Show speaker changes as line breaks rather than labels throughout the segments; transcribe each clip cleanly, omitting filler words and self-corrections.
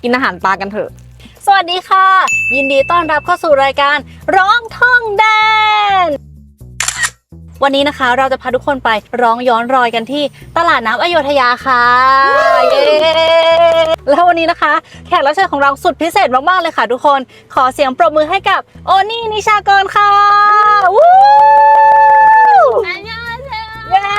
กินอาหารปลากันเถอะสวัสดีค่ะยินดีต้อนรับเข้าสู่รายการร้องท่องแดนวันนี้นะคะเราจะพาทุกคนไปร้องย้อนรอยกันที่ตลาดน้ำอโยธยาค่ะเย้แล้ววันนี้นะคะแขกรับเชิญของเราสุดพิเศษมากๆเลยค่ะทุกคนขอเสียงปรบมือให้กับโอนี่นิชากรค่ะวู้เย้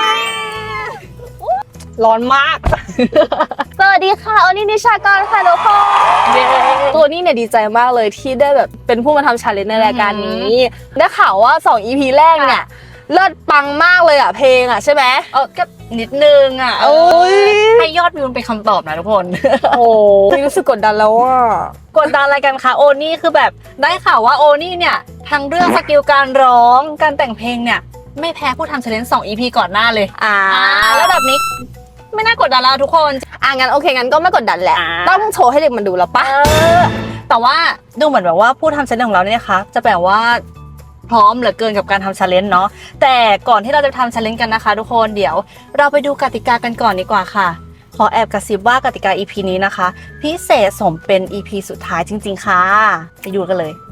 ร้อนมาก
สวัสดีค่ะโอนี่นิชากรค่ะทุกคนตัวนี้เนี่ยดีใจมากเลยที่ได้แบบเป็นผู้มาทำชาเลนจ์ในรายการนี้ได้ข่าวว่า2 EP แรกเนี่ยเลิศปังมากเลยอ่ะเพลงอ่ะใช่ไหม
ก็นิดนึงอ่ะให้ยอดวิวเป็นคำตอบนะทุกคน
โอ้รู้สึกกดดันแล้วอ่ะ
กดดันอะไรกันคะโอนี่คือแบบได้ข่าวว่าโอนี่เนี่ยทั้งเรื่องสกิลการร้องการแต่งเพลงเนี่ยไม่แพ้ผู้ทำชาเลนจ์2 EP ก่อนหน้าเลยแล้วแบบนี้ไม่น่ากดดันแล้วทุกคน
งั้นโอเคงั้นก็ไม่กดดันแหละต้องโชว์ให้เด็กมันดูแล้วปะ
แต่ว่าดูเหมือนแบบว่าผู้ทำชาเลนจ์ของเราเนี่ยนะคะจะแบบว่าพร้อมเหลือเกินกับการทำชาเลนจ์เนาะแต่ก่อนที่เราจะทำชาเลนจ์กันนะคะทุกคนเดี๋ยวเราไปดูกติกากันก่อนดีกว่าค่ะขอแอบกระซิบว่ากติกา EP นี้นะคะพิเศษสมเป็น EP สุดท้ายจริงๆค่ะไปดูกันเลย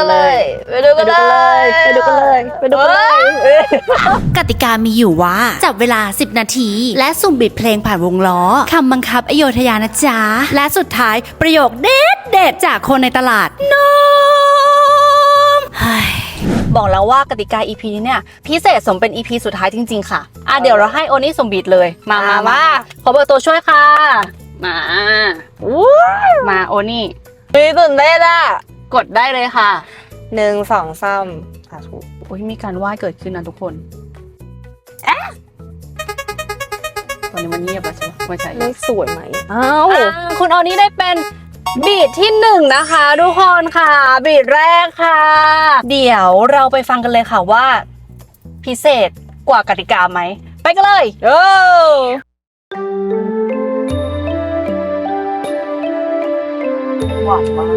กติกามีอยู่ว่าจับเวลา10 นาทีและสุ่มบิดเพลงผ่านวงล้อคำบังคับอโยธยานะจ๊ะและสุดท้ายประโยคเด็ดจากคนในตลาดนม
บอกแล้วว่ากติกา EP นี้เนี่ยพิเศษสมเป็น EP สุดท้ายจริงๆค่ะเดี๋ยวเราให้โอนี่สุ่มบิดเลยมาขอเบอร์ตัวช่วยค่ะมาโอนี่
ตื่นเต้นอ่ะ
กดได้เลยค่ะ
1 2 3ถูก
โอ้ยมีการไหว้เกิดขึ้นนะทุกคนตอนนี้มันเงียบแล้วใช่ไหมไม่ใช่
เลขสวยไหม
คุณโอนี่ได้เป็นบีทที่1นะคะทุกคนค่ะบีทแรกค่ะเดี๋ยวเราไปฟังกันเลยค่ะว่าพิเศษกว่ากติกาไหมไปกันเลยหวานมาก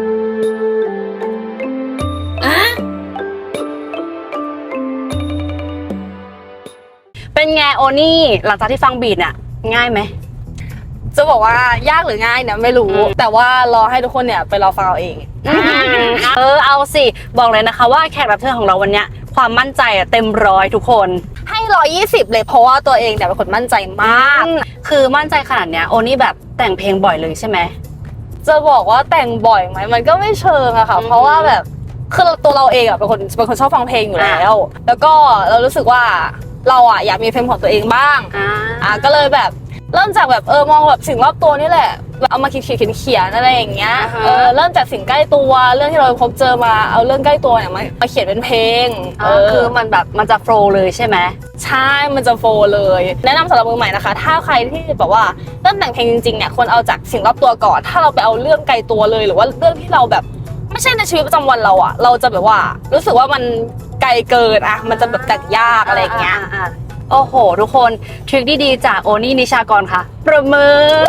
เป็นไงโอนี่หลังจากที่ฟังบีทเนี่ยง่ายไหม
จะบอกว่ายากหรือง่ายเนี่ยไม่รู้แต่ว่ารอให้ทุกคนเนี่ยไปรอฟังเอาเอง
เอาสิบอกเลยนะคะว่าแขกรับเชิญของเราวันนี้ความมั่นใจเต็ม100ทุกคน
ให้120เลยเพราะว่าตัวเองเนี่ยเป็นคนมั่นใจมาก
คือมั่นใจขนาดเนี้ยโอนี่แบบแต่งเพลงบ่อยเลยใช่ไหม
จะบอกว่าแต่งบ่อยไหมมันก็ไม่เชิงอะค่ะเพราะว่าแบบคือตัวเราเองอะเป็นคนชอบฟังเพลงอยู่แล้วแล้วก็เรารู้สึกว่าเราอะอยากมีเพลงของตัวเองบ้างก็เลยแบบเริ่มจากแบบมองแบบสิ่งรอบตัวนี่แหละเอามาเขียนอะไรอย่างเงี้ยเริ่มจากสิ่งใกล้ตัวเรื่องที่เราพบเจอมาเอาเรื่องใกล้ตัวเนี่ยมาเขียนเป็นเพลง
คือมันแบบมันจะโฟล์เลยใช่ไหม
ใช่มันจะโฟล์เลยแนะนำสำหรับมือใหม่นะคะถ้าใครที่แบบว่าเริ่มแต่งเพลงจริงๆเนี่ยควรเอาจากสิ่งรอบตัวก่อนถ้าเราไปเอาเรื่องไกลตัวเลยหรือว่าเรื่องที่เราแบบไม่ใช่ในชีวิตประจำวันเราอะเราจะแบบว่ารู้สึกว่ามันไกลเกินมันจะแบบแต่งยากอะไรอย่างเงี้ย
โอ้โหทุกคนทริคดีๆจากโอนี่นิชากรค่ะประเมิน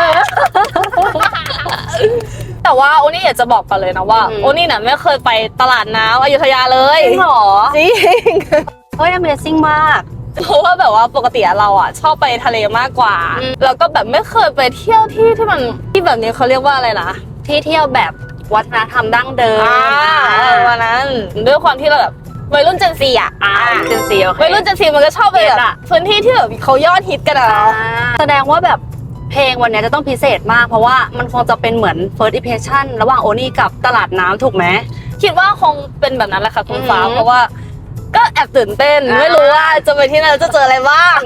แต่ว่าโอนี่อยากจะบอกกันเลยนะว่าโอนี่เนี่ยไม่เคยไปตลาดน้ำอยุธยาเลย
จริงหรอ
จริง
เฮ้ย Amazing มาก
เพราะว่าแบบว่าปกติเราอ่ะชอบไปทะเลมากกว่าแล้วก็แบบไม่เคยไปเที่ยวที่มันที่แบบนี้เขาเรียกว่าอะไรนะ
ที่เที่ยวแบบวัฒนธรรมดั้งเดิม
วันนั้นด้วยความที่เราแบบวัยรุ่นเจนซี
เจนซี
วัยรุ่นเจนซีมันก็ชอบไปแบบพื้นที่ที่แบบเขายอดฮิตกัน
แสดงว่าแบบเพลงวันนี้จะต้องพิเศษมากเพราะว่ามันคงจะเป็นเหมือน first impression ระหว่างโอนี่กับตลาดน้ำถูกไหม
คิดว่าคงเป็นแบบนั้นแหละค่ะคุณฟ้าเพราะว่าก็แอบตื่นเต้นไม่รู้ว่าจะไปที่ไหนจะเจออะไรบ้าง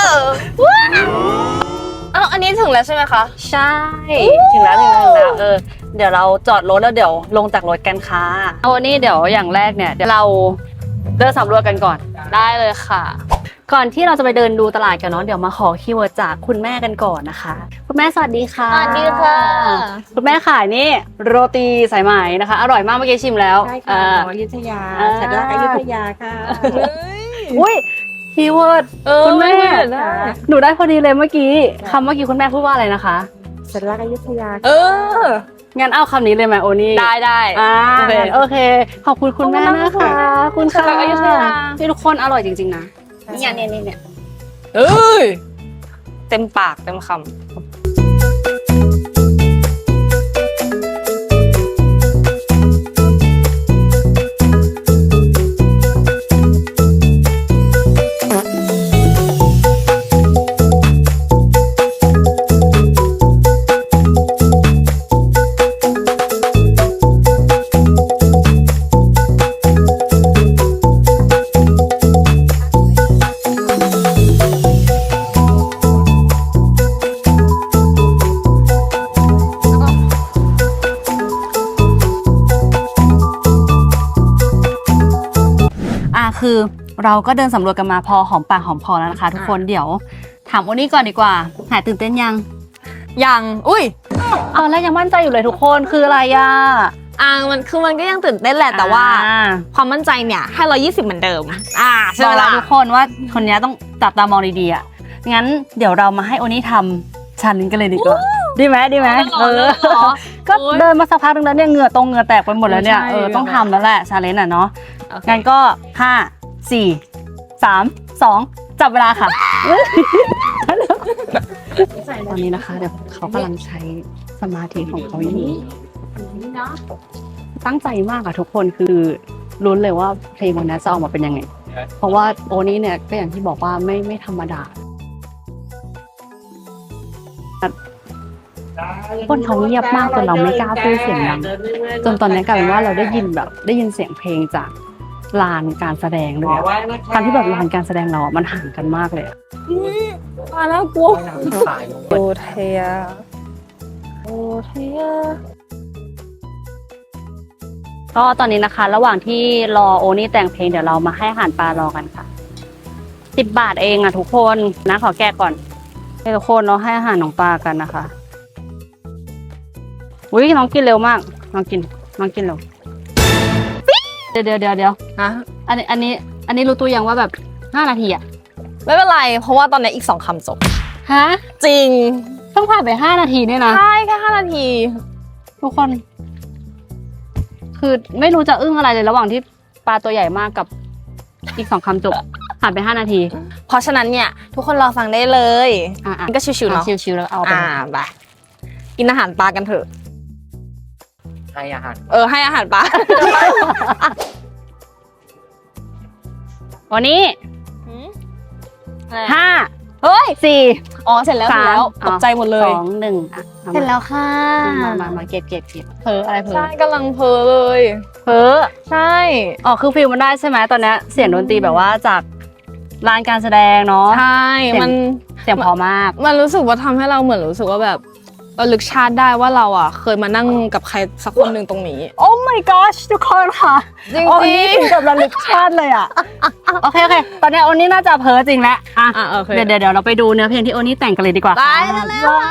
อันนี้ถึงแล้วใช่ไหมคะ
ใช่ถึงแล้วเดี๋ยวเราจอดรถแล้วเดี๋ยวลงจากรถกันค่ะวันนี้เดี๋ยวอย่างแรกเนี่ยเดี๋ยวเราเดินสำรวจกันก่อน
ได้เลยค่ะ
ก่อนที่เราจะไปเดินดูตลาดกันเนาะเดี๋ยวมาขอคีย์เวิร์ดจากคุณแม่กันก่อนนะคะคุณแม่สวัสดีค่ะ
สวัสดีค่ะ
คุณแม่ขายนี่โรตีสายไหมนะคะอร่อยมากเมื่อกี้ชิมแล้ว
ใช่ค่ะอยุธยาสัตว์รักอยุธยาค่ะ
อุ้ยคีย์เวิร์ดคุณแม่หนูได้พอดีเลยเมื่อกี้คำเมื่อกี้คุณแม่พูดว่าอะไรนะคะ
สัตว์รักอยุธยา
งั้นเอาคำนี้เลยไหมโอนี่
ได้
โอเคขอบคุณคุณแม่นะคะคุณค่ะที่ทุกคนอร่อยจริงๆนะเนี่ย
เต็มปากเต็มคำ
คือเราก็เดินสำรวจกันมาพอหอมปากหอมคอแล้วนะคะทุกคนเดี๋ยวถามโอนี่ก่อนดีกว่าหายตื่นเต้นยัง
ยังอุ้ย
ตอนแรกยังมั่นใจอยู่เลยทุกคนคืออะไรอ่ะ
มันก็ยังตื่นเต้นแหละแต่ว่าความมั่นใจเนี่ยให้120เหมือนเดิมใช่
บ
ไห
อ
ม
กแล้ว
ล่ะ
ทุกคนว่าคนนี้ต้องจับตามองดีๆอ่ะงั้นเดี๋ยวเรามาให้โอนี่ทำชันกันเลยดีกว่าดีไหมก็เดินมาสักพักนึงแล้วเนี่ยเหงื่อแตกไปหมดแล้วเนี่ยต้องทำแล้วแหละชาเลนจ์อ่ะเนาะงั้นก็5 4 3 2จับเวลาค่ะตอนนี้นะคะเดี๋ยวเขากำลังใช้สมาธิของเขาอยู่ตั้งใจมากอะทุกคนคือลุ้นเลยว่าเพลงวันนี้จะออกมาเป็นยังไงเพราะว่าโอนี้เนี่ยก็อย่างที่บอกว่าไม่ธรรมดาคนเขาเงียบมากจนเราไม่กล้าพูดเสียงดังจนตอนนี้กลายเป็นว่าเราได้ยินเสียงเพลงจากลานการแสดงเลยอะการที่แบบลานการแสดงเราอะมันห่างกันมากเลยอะ
มาแล้วกูโอเทีย
ก็ตอนนี้นะคะระหว่างที่รอโอนี่แต่งเพลงเดี๋ยวเรามาให้อาหารปลารอกันค่ะ10 บาทเองอะทุกคนนะขอแก้ก่อนให้ทุกคนเราให้อาหารน้องปลากันนะคะอุ้ยน้องกินเร็วมากน้องกินเร็วเดี๋ยว
ฮะ
อันนี้รู้ตัวยังว่าแบบ5 นาทีอะ
ไม่เป็นไรเพราะว่าตอนนี้อีก2 คำจบ
ฮะ
จริง
ต้องผ่านไป5 นาทีเนี่ยนะ
ใช่แค่5 นาที
ทุกคน คือไม่รู้จะอึ้งอะไรเลยระหว่างที่ปลาตัวใหญ่มากกับอีก2 คำจบผ่านไป5 นาที
เพราะฉะนั้นเนี่ยทุกคนรอฟังได้เลย
ๆ
ก็ชิวๆเนาะ
ชิวๆแล้วเอาไป
ไปกินอาหารปลากันเถอะ
ให้อาหาร
ให้อาหารปลา
วันนี้5
เฮ้ย
4
อ๋อเสร็จแล้วเสร็จแล้วตกใจหมดเลย
2 1อ่ะ
เสร็จแล้วค่ะ
มาเก็บเพ้ออะไรเพ้อ
ใช่กำลังเพ้อเลย
เพ้อ
ใช่
อ๋อคือฟิลมันได้ใช่ไหมตอนนี้เสียงดนตรีแบบว่าจากร้านการแสดงเนาะ
ใช่
เสียง เสียงพอมาก
มันรู้สึกว่าทำให้เราเหมือนรู้สึกว่าแบบเราลึกชาติได้ว่าเราอ่ะเคยมานั่งกับใครสักคนหนึ่งตรงนี้
โอ้ my gosh ทุกคนค่ะ
จริง
โอ้นี่ถึงกับระลึกชาติเลยอ่ะ โอเคตอนนี้โอนี่น่าจะเพ้อจริงแล้วอ่ะ
โอเค
เดี๋ยวเราไปดูเนื้อเพลงที่โอนี่แต่งกันเลยดีกว่า
ไป
ค่ะ
เร็ว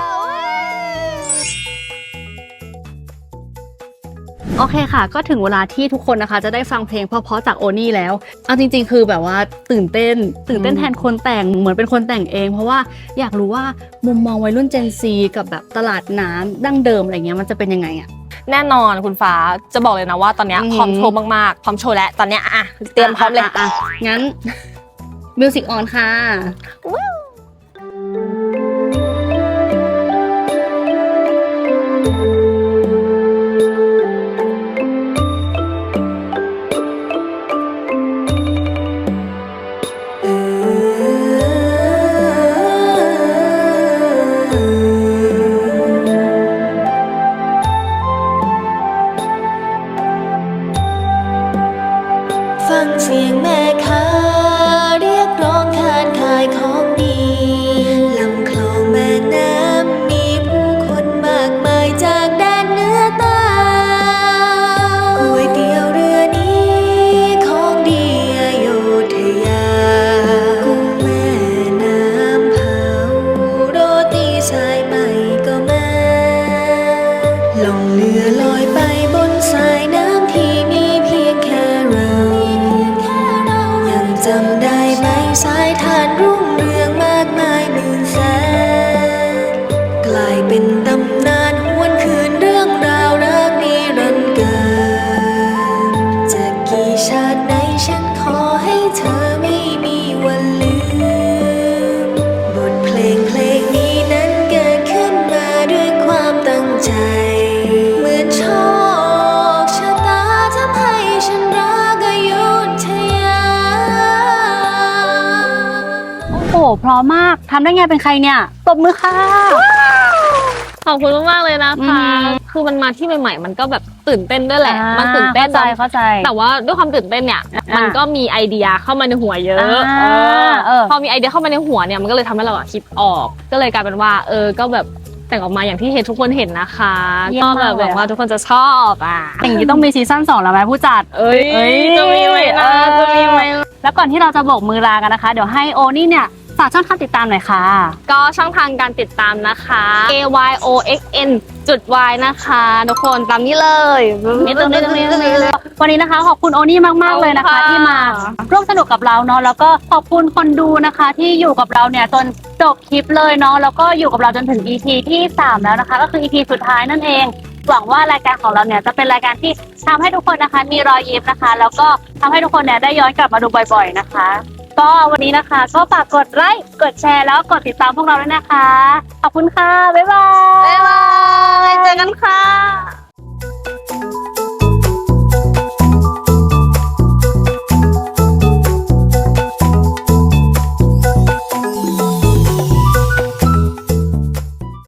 โอเคค่ะ ก็ถึงเวลาที่ทุกคนนะคะ จะได้ฟังเพลงเพราะๆจากโอนี่แล้วเอาจริงๆ คือแบบว่าตื่นเต้นแทนคนแต่งเหมือนเป็นคนแต่งเอง เพราะว่าอยากรู้ว่ามุมมองวัยรุ่น Gen Z กับแบบตลาดน้ำดั้งเดิมอะไรเงี้ยมันจะเป็นยังไงอ่ะ
แน่นอนคุณฟ้าจะบอกเลยนะว่าตอนเนี้ย
อือหือ
พร้อมโชว์มากๆพร้อมโชว์แล้วตอนเนี้ยเตรียมพร้อมเลย
อ่ะงั้น มิวสิกออนค่ะ
ฟังเสียงแม่ค้าเรียกร้องทานขายของดีลำคลองแม่น้ำมีผู้คนมากมายจากแดนเหนือใต้ก๋วยเตี๋ยวเรือนี้ของดีอโยธยากุ้งแม่น้ำเผาโรตีสายใหม่ก็มาล่องเรือลอยไปบนสายน้ำที่มีเพียงแค่เรา ยังจำได้ไหมสายทานรุ่งเรืองมากมายหมื่นแสนกลายเป็นตำนานหวนคืนเรื่องราวรักนิรันดร์เกินจะกี่ชาติไหนฉันขอให้เธอไม่มีวันลืมบทเพลงนี้นั้นเกิดขึ้นมาด้วยความตั้งใจเหมือนโชคชะตาทำให้ฉันรักอยุธยา
โอ้โหพร้อมมากทำได้ไงเป็นใครเนี่ยตบมือค่ะ
ขอบคุณมากๆเลยนะคะ คือมันมาที่ใหม่ๆมันก็แบบตื่นเต้นด้วยแหละมันตื่นเต้น
เข้าใจ
แต่ว่าด้วยความตื่นเต้นเนี่ยมันก็มีไอเดียเข้ามาในหัวเยอะ พอมีไอเดียเข้ามาในหัวเนี่ยมันก็เลยทำให้เราคิดออก ก็เลยกลายเป็นว่าก็แบบแต่งออกมาอย่างที่ทุกคนเห็นนะคะ
เยี่ย
ก็
ม
แบ
มาก
บ
เลย
หวังว่าทุกคนจะชอบ
อย่างนี้ต้องมีซีซั่น2แล้วไหมผู้จัด
จะมีไหมนะจะมี
แล้วก่อนที่เราจะโบกมือลากันนะคะ เดี๋ยวให้โอนี่เนี่ยฝากช่องทางติดตามหน่อยค่ะ
ก็ช่องทางการติดตามนะคะ AYOXN.Y นะคะทุกคนตามนี้เลย
นี่ตรงนี้วันนี้นะคะขอบคุณโอนี่มากๆเลยนะคะ ที่มาร่วมสนุกกับเราเนาะแล้วก็ขอบคุณคนดูนะคะที่อยู่กับเราเนี่ยจนจบคลิปเลยเนาะแล้วก็อยู่กับเราจนถึง EP ที่ 3 แล้วนะคะ ก็คือ EP สุดท้ายนั่นเองหวังว่ารายการของเราเนี่ยจะเป็นรายการที่ทำให้ทุกคนนะคะมีรอยยิ้มนะคะ แล้วก็ทำให้ทุกคนเนี่ยได้ย้อนกลับมาดูบ่อยๆนะคะ ก็วันนี้นะคะก็ฝากกดไลค์กดแชร์แล้วกดติดตามพวกเราด้วยนะคะขอบคุณค่ะบ๊ายบาย
บ๊ายบายเจอกันค่ะ